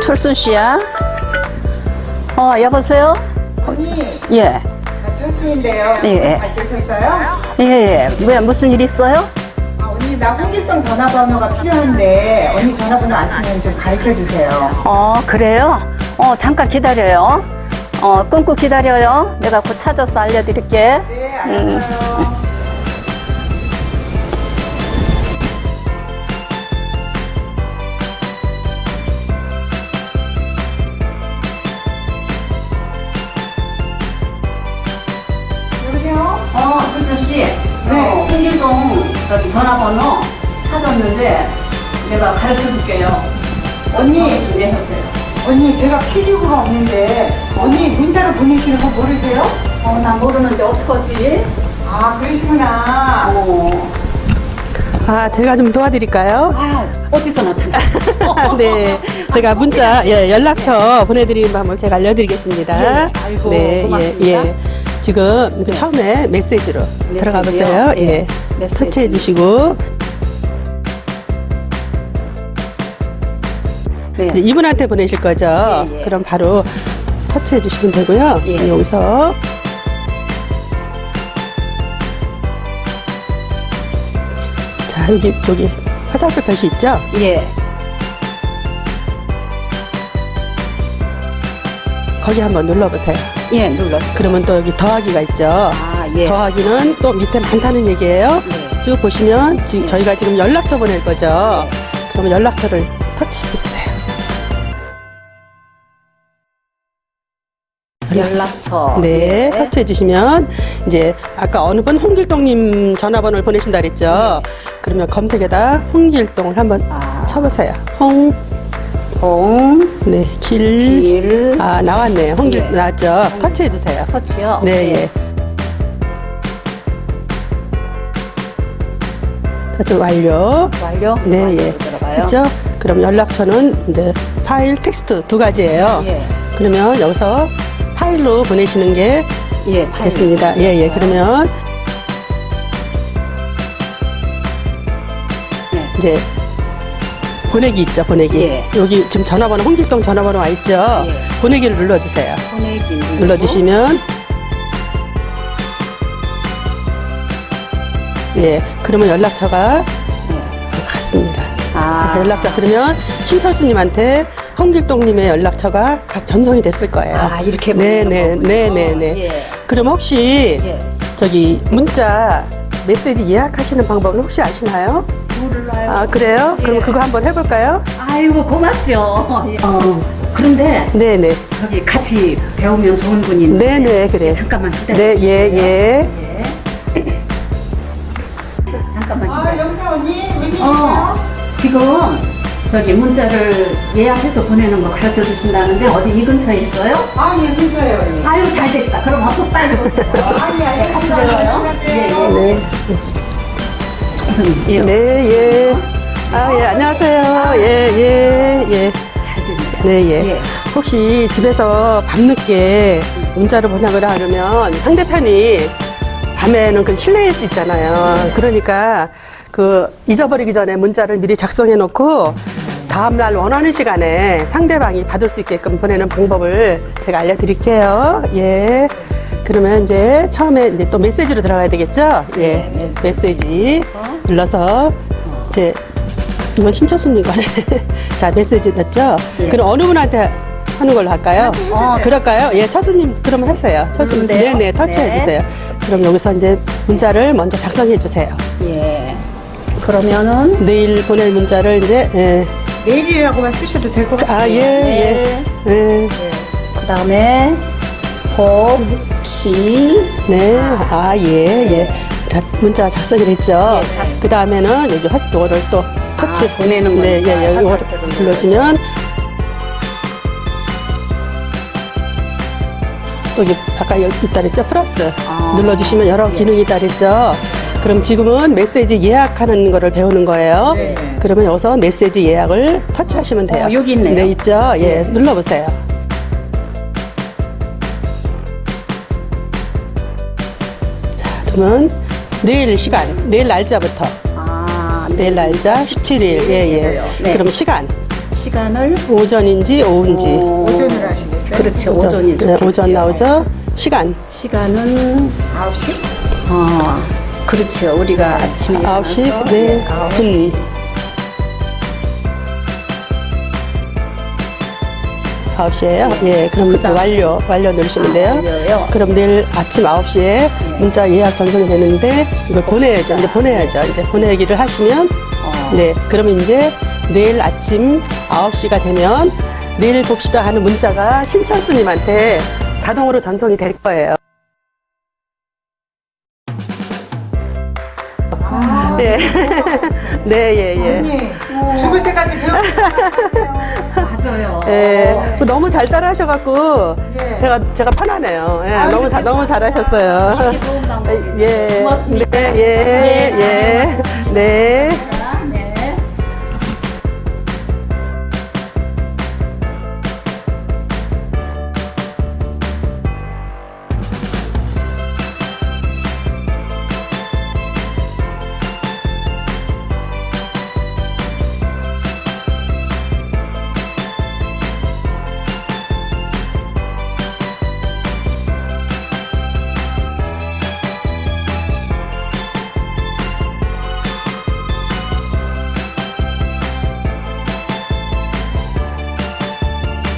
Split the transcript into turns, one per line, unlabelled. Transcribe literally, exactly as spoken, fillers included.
철순 씨야? 어, 여보세요?
언니,
예.
나 철수인데요.
예.
잘 계셨어요?
예, 예. 왜, 무슨 일 있어요?
아, 언니, 나 홍길동 전화번호가 필요한데 언니 전화번호 아시면 좀 가르쳐 주세요.
어, 그래요? 어, 잠깐 기다려요. 어, 끊고 기다려요. 내가 곧 찾아서 알려드릴게.
네, 알았어요. 여보세요?
어, 철순 씨.
네.
어, 홍길동 저기 전화번호 찾았는데 내가 가르쳐 줄게요.
언니.
좀 내주세요.
언니, 제가 피디구가 없는데 언니 문자로 보내시는 거 모르세요?
어, 나 모르는데 어떡하지?
아, 그러시구나.
어.
아, 제가 좀 도와드릴까요?
아, 어디서 나타났어?
네, 제가 문자, 예, 연락처 보내드리는 방법 제가 알려드리겠습니다.
예, 아이고,
네,
고맙습니다.
예, 예. 지금 그 처음에 메시지로 들어가
메시지요?
보세요.
예,
예,
메시지.
터치해 주시고
네.
이제 이분한테 보내실 거죠?
예, 예.
그럼 바로 터치해 주시면 되고요.
예.
여기서 자, 여기 여기 화살표 표시 있죠?
예.
거기 한번 눌러보세요.
예, 눌렀어.
그러면 또 여기 더하기가 있죠.
아, 예.
더하기는 또 밑에 많다는 얘기예요.
네.
쭉 보시면 지금 저희가 지금 연락처 보낼 거죠.
네.
그러면 연락처를 터치해 주세요.
연락처.
네, 터치해 주시면 이제 아까 어느 분 홍길동님 전화번호를 보내신다 그랬죠. 그러면 검색에다 홍길동을 한번
아.
쳐보세요. 홍,
홍,
네, 길,
길,
아 나왔네요. 홍길
예.
나왔죠. 터치해 주세요.
터치요?
네, 예. 터치 완료.
완료?
네,
완료
예.
들어가요?
했죠? 그럼 연락처는 이제 파일, 텍스트 두 가지예요.
예.
그러면 여기서 파일로 보내시는 게
예, 파일.
됐습니다. 예, 예.
됐어요.
그러면
네.
이제 보내기 있죠, 보내기.
예.
여기 지금 전화번호, 홍길동 전화번호 와 있죠?
예.
보내기를 눌러주세요.
보내기 누르고.
눌러주시면 예, 그러면 연락처가
예.
갔습니다.
아.
연락처 그러면 신철수님한테 홍길동님의 연락처가 가- 전송이 됐을 거예요.
아, 이렇게
네,
보내는
네,
거군요.
네, 네, 네.
예.
그럼 혹시
예.
저기 문자 메시지 예약하시는 방법은 혹시 아시나요?
몰라요.
아 그래요?
예.
그럼 그거 한번 해볼까요?
아이고, 고맙죠. 예. 어, 그런데
네, 네,
저기 같이 배우면 좋은 분인데.
네, 네, 그래요.
잠깐만 기다려.
네, 예, 예.
예. 잠깐만
아,
기다려.
여보세요, 언니? 웬일이세요?
어, 지금 저기 문자를 예약해서 보내는 거 가르쳐 주신다는데 어디 이 근처에 있어요?
아, 예, 근처에요, 언니.
아유, 잘 됐다. 그럼 어서 빨리 오세요.
아, 예, 알겠습니다.
같이 배워요?
갈게요.
네,
예.
네, 예. 아, 예, 안녕하세요. 예, 예, 예.
잘 됐네요.
네, 예.
예.
혹시 집에서 밤늦게 문자를 보내거나 하려면 상대편이 밤에는 그 실내일 수 있잖아요. 그러니까 그 잊어버리기 전에 문자를 미리 작성해 놓고 다음날 원하는 시간에 상대방이 받을 수 있게끔 보내는 방법을 제가 알려드릴게요. 예. 그러면 이제 처음에 이제 또 메시지로 들어가야 되겠죠? 예.
네, 메시지.
메시지 눌러서 이제 이건 신철수님 거네. 자, 메시지 넣었죠?
예.
그럼 어느 분한테 하는 걸로 할까요?
어,
그럴까요? 예, 철수님 그럼 하세요. 철수님.
누른데요?
네네, 터치해
네.
주세요. 그럼 여기서 이제 문자를 먼저 작성해 주세요.
예. 그러면은
내일 보낼 문자를 이제, 예.
메일이라고만 쓰셔도 될 것 같아요.
아, 예, 예.
네.
예.
그 다음에 혹시
네. 아, 예, 예. 다 문자 작성이 됐죠?
예, 작성.
그 다음에는 여기 화살표를 또 터치.
아, 보내는
네,
거니까
예, 예. 이거
화살표를
눌러주시면 또 여기 아까 여기 있다 그랬죠? 플러스
아.
눌러주시면 여러
예.
기능이 있다 그랬죠? 그럼 지금은 메시지 예약하는 거를 배우는 거예요.
네.
그러면 여기서 메시지 예약을 터치하시면 돼요.
어, 여기 있네요.
네, 있죠? 예, 눌러보세요. 자, 그러면 내일 시간, 내일 날짜부터.
아,
내일 날짜 십칠 일. 예, 예.
네.
그럼 시간.
시간을
오전인지 오후인지.
어,
오전으로 하시겠어요?
그렇지 오전이
네,
좋겠지요.
오전 나오죠. 시간
시간은
아홉 시?
어 그렇지요. 우리가 아침에
아홉 시
일어나서
네,
아홉 시.
분. 아홉 시에요? 예, 그럼 완료, 완료 누르시면 돼요.
완료요.
그럼 내일 아침 아홉 시에 문자 예약 전송이 되는데 이걸 보내야죠. 이제 보내야죠. 이제 보내기를 하시면
어.
네, 그러면 이제 내일 아침 아홉 시가 되면 내일 봅시다 하는 문자가 신철스님한테 자동으로 전송이 될 거예요.
아,
예. 네, 예, 예.
언니, 죽을 때까지 배웠어요.
맞아요.
예, 너무 잘 따라하셔갖고
예.
제가 제가 편하네요. 예,
아유,
너무 잘 너무 잘하셨어요.
이렇게 좋은 방법.
예,
고맙습니다.
네, 예,
예,
예, 네.